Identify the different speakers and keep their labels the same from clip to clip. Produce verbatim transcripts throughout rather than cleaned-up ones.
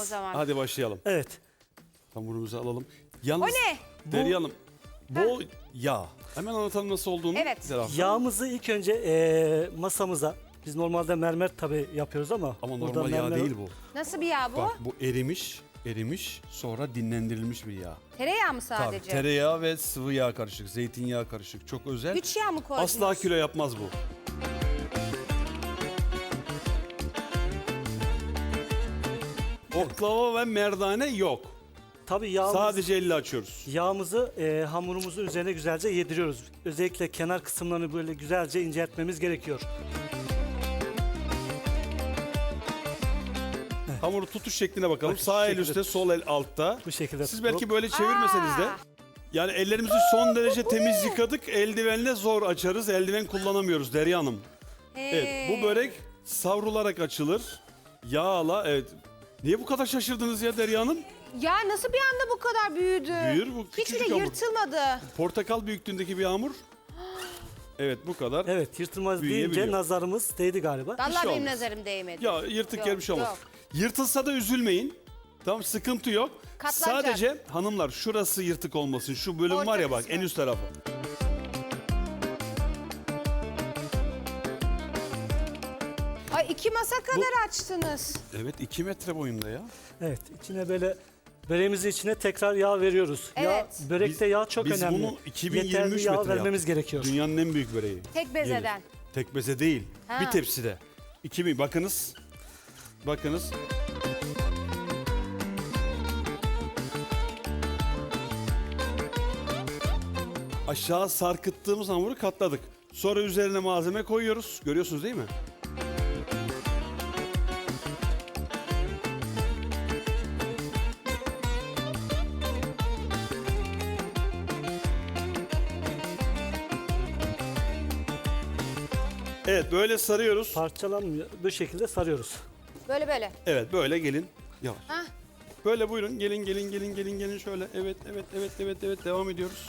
Speaker 1: zaman.
Speaker 2: Hadi başlayalım.
Speaker 3: Evet.
Speaker 2: Hamurumuzu alalım. Yalnız,
Speaker 1: O ne?
Speaker 2: Derya Hanım, bol yağ. Hemen anlatalım nasıl olduğunu.
Speaker 1: Evet.
Speaker 2: Zerafet.
Speaker 3: Yağımızı ilk önce e, masamıza, biz normalde mermer tabii yapıyoruz ama.
Speaker 2: Ama
Speaker 3: burada
Speaker 2: normal yağ
Speaker 3: mermer-
Speaker 2: değil bu.
Speaker 1: Nasıl bir yağ bu?
Speaker 2: Bak bu erimiş, erimiş sonra dinlendirilmiş bir yağ.
Speaker 1: Tereyağı mı
Speaker 2: Tabii
Speaker 1: sadece?
Speaker 2: tereyağı ve sıvı yağ karışık, zeytinyağı karışık. Çok özel.
Speaker 1: Güç yağ mı koydunuz?
Speaker 2: Asla kilo yapmaz bu. Oklava ve merdane yok.
Speaker 3: Tabii yağımız,
Speaker 2: Sadece elle açıyoruz.
Speaker 3: yağımızı e, hamurumuzun üzerine güzelce yediriyoruz. Özellikle kenar kısımlarını böyle güzelce inceltmemiz gerekiyor.
Speaker 2: Hamuru tutuş şekline bakalım.
Speaker 3: Bak, şu
Speaker 2: Sağ el
Speaker 3: şekilde
Speaker 2: üstte, sol el altta.
Speaker 3: Bu şekilde
Speaker 2: Siz
Speaker 3: tutup-
Speaker 2: belki böyle çevirmeseniz de. Yani ellerimizi son derece temiz yıkadık. Eldivenle zor açarız. Eldiven kullanamıyoruz Derya Hanım. Evet, bu börek savrularak açılır. Yağla, evet. Niye bu kadar şaşırdınız ya Derya Hanım?
Speaker 1: Ya nasıl bir anda bu kadar büyüdü?
Speaker 2: Büyür bu,
Speaker 1: Hiç
Speaker 2: küçücük
Speaker 1: bile
Speaker 2: hamur.
Speaker 1: yırtılmadı.
Speaker 2: Portakal büyüklüğündeki bir hamur. Evet, bu kadar.
Speaker 3: Evet, yırtılmaz
Speaker 2: Büyüyebiliyor.
Speaker 3: deyince nazarımız değdi galiba.
Speaker 1: Vallahi
Speaker 2: şey
Speaker 1: benim
Speaker 2: olmaz.
Speaker 1: nazarım değmedi.
Speaker 2: Ya yırtık
Speaker 1: Yok,
Speaker 2: yer bir şey olmaz.
Speaker 1: yok.
Speaker 2: Yırtılsa da üzülmeyin. Tamam, sıkıntı yok.
Speaker 1: Katlanacak.
Speaker 2: Sadece hanımlar şurası yırtık olmasın. Şu bölüm
Speaker 1: Orta
Speaker 2: var ya bak,
Speaker 1: kısmı.
Speaker 2: en üst tarafı.
Speaker 1: Ay iki masa kadar açtınız.
Speaker 2: Evet, iki metre boyunda ya.
Speaker 3: Evet, içine böyle böreğimizin içine tekrar yağ veriyoruz.
Speaker 1: Evet.
Speaker 3: Yağ, börekte
Speaker 2: Biz-
Speaker 3: yağ çok
Speaker 2: biz
Speaker 3: önemli.
Speaker 2: bunu iki bin yirmi üç
Speaker 3: Yeterli yağ
Speaker 2: metre
Speaker 3: vermemiz
Speaker 2: yaptık.
Speaker 3: gerekiyor.
Speaker 2: Dünyanın en büyük böreği.
Speaker 1: Tek bezeden.
Speaker 2: Gelir. Tek beze değil.
Speaker 1: Ha.
Speaker 2: Bir tepside. iki bin. Bakınız. Bakınız. Aşağı sarkıttığımız hamuru katladık. Sonra üzerine malzeme koyuyoruz. Görüyorsunuz değil mi? Evet, böyle sarıyoruz.
Speaker 3: Parçalanmıyor. Bu şekilde sarıyoruz.
Speaker 1: Böyle böyle.
Speaker 2: Evet, böyle gelin. Yavaş.
Speaker 1: Hah.
Speaker 2: Böyle buyurun. Gelin, gelin, gelin, gelin, gelin şöyle. Evet, evet, evet, evet, evet. Devam ediyoruz.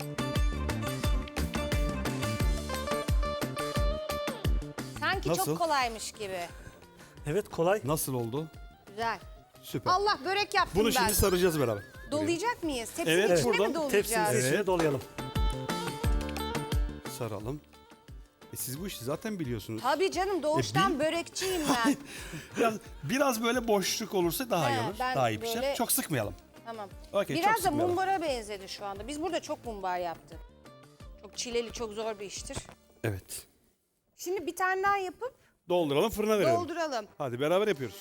Speaker 1: Sanki
Speaker 2: Nasıl?
Speaker 1: çok kolaymış gibi.
Speaker 3: Evet, kolay.
Speaker 2: Nasıl oldu?
Speaker 1: Güzel.
Speaker 2: Süper.
Speaker 1: Allah börek yaptım
Speaker 2: Bunu
Speaker 1: ben.
Speaker 2: şimdi saracağız beraber.
Speaker 1: Dolayacak mıyız? Tepsinin
Speaker 2: Evet,
Speaker 1: içine mi
Speaker 2: buradan
Speaker 1: dolayacağız?
Speaker 3: Tepsimizin
Speaker 2: Evet.
Speaker 3: içine dolayalım.
Speaker 2: Saralım. E siz bu işi zaten biliyorsunuz.
Speaker 1: Tabii canım doğuştan
Speaker 2: E, bil-
Speaker 1: börekçiyim ben.
Speaker 2: Biraz, biraz böyle boşluk olursa daha iyi
Speaker 1: He,
Speaker 2: olur.
Speaker 1: ben
Speaker 2: Daha iyi pişer.
Speaker 1: böyle-
Speaker 2: Çok sıkmayalım.
Speaker 1: Tamam.
Speaker 2: Okey, çok
Speaker 1: Biraz da
Speaker 2: sıkmayalım.
Speaker 1: mumbara benzedi şu anda. Biz burada çok mumbar yaptık. Çok çileli, çok zor bir iştir.
Speaker 2: Evet.
Speaker 1: Şimdi bir tane daha yapıp
Speaker 2: Dolduralım, fırına verelim.
Speaker 1: dolduralım.
Speaker 2: Hadi beraber yapıyoruz.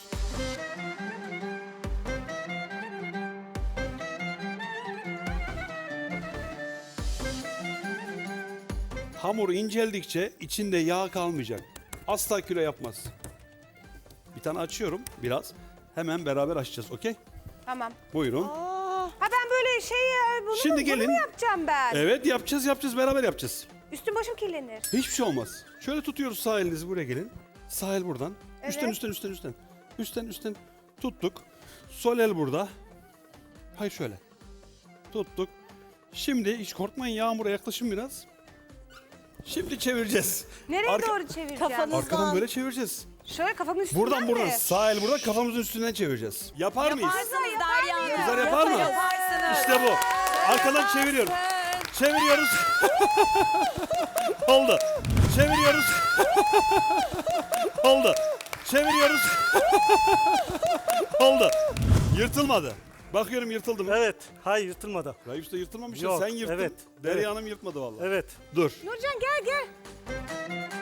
Speaker 2: Hamur inceldikçe içinde yağ kalmayacak. Asla kilo yapmaz. Bir tane açıyorum biraz. Hemen beraber açacağız, okey?
Speaker 1: Tamam.
Speaker 2: Buyurun.
Speaker 1: Ha ben böyle şey ya, bunu,
Speaker 2: Şimdi
Speaker 1: mu, bunu
Speaker 2: gelin.
Speaker 1: mu yapacağım ben?
Speaker 2: Evet, yapacağız, yapacağız, beraber yapacağız.
Speaker 1: Üstüm başım kirlenir.
Speaker 2: Hiçbir şey olmaz. Şöyle tutuyoruz, sağ elinizi buraya gelin. Sağ el buradan.
Speaker 1: Evet.
Speaker 2: Üstten, üstten, üstten, üstten. Üstten, üstten tuttuk. Sol el burada. Hayır şöyle. Tuttuk. Şimdi hiç korkmayın, Yağmur'a yaklaşın biraz. Şimdi çevireceğiz.
Speaker 1: Nereye
Speaker 2: Arka-
Speaker 1: doğru çevireceğim?
Speaker 4: Kafanız-
Speaker 2: Arkadan böyle çevireceğiz.
Speaker 1: Şöyle kafamın üstünden
Speaker 2: Buradan
Speaker 1: mi?
Speaker 2: buradan. Sağ el burada, kafamızın üstünden çevireceğiz. Yapar mıyız?
Speaker 4: Yaparsınız Derya Hanım.
Speaker 2: Kızlar yapar mı?
Speaker 4: Yaparsınız.
Speaker 2: İşte bu. Arkadan çeviriyorum. Çeviriyoruz. Oldu. Çeviriyoruz. Oldu. Çeviriyoruz. Oldu. Yırtılmadı. Bakıyorum yırtıldı mı?
Speaker 3: Evet, hayır yırtılmadı.
Speaker 2: Raif Usta yırtılmamış ya.
Speaker 3: Yok,
Speaker 2: Sen yırttın.
Speaker 3: evet,
Speaker 2: Derya
Speaker 3: evet.
Speaker 2: Hanım yırtmadı vallahi.
Speaker 3: Evet.
Speaker 2: Dur.
Speaker 1: Nurcan gel gel.